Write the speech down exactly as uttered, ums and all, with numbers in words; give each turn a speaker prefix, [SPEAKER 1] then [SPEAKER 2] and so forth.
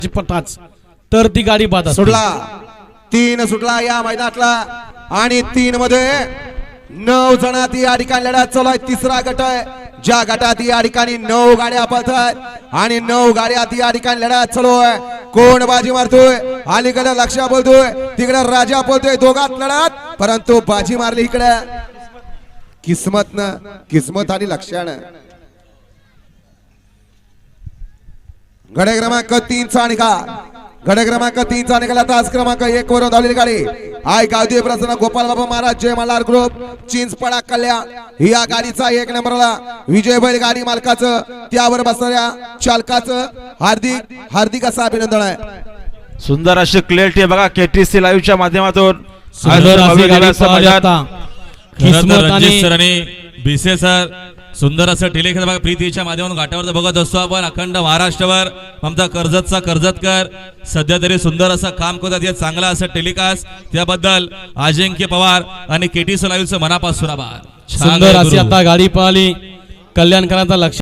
[SPEAKER 1] पटाच तर ती गाडी बाद
[SPEAKER 2] सुटला तीन सुटला या मैदानातला आणि तीन मध्ये नऊ जणात या ठिकाणी लढत चालू आहे। तिसरा गट आहे ज्या गटात या ठिकाणी नऊ गाड्या पळतात आणि नऊ गाड्यात या ठिकाणी लढत चालू आहे। कोण बाजी मारतोय? अलीकडे लक्ष बोलतोय, तिकडे राजा बोलतोय, दोघात लढत परंतु बाजी मारली इकडे किस्मत न किस्मत आणि लक्षानं। गडे क्रमांक तीन चा निकाल गडे क्रमांक तीन चा निकाल तास क्रमांक एक वरून धावलेली गाडी आय गावदेव प्रसन्न गोपाल बाबा महाराज जय मल्हार ग्रुप चिंचपडा कल्याण या गाडीचा एक नंबरला विजय बैल गाडी मालकाचं त्यावर बसणाऱ्या चालकाचं हार्दिक हार्दिक असं अभिनंदन आहे।
[SPEAKER 3] सुंदर अशी क्लिअरिटी बघा केटीसी लाईव्हच्या माध्यमातून
[SPEAKER 4] बीसे सर सुंदर असं टेलिखेळ बघा प्रीतीच्या माध्यमातून घाटावर बघत असतो आपण अखंड महाराष्ट्रावर आमचा कर्जतचा कर्जतकर सध्या तरी सुंदर असं काम करतात हे चांगला असं टेलिकास्ट त्याबद्दल अजिंक्य पवार आणि केटीसी लाईव्हचं मनापासून आभार।
[SPEAKER 1] सुंदर अशी आता गाडी पळाली कल्याणकरांचा लक्ष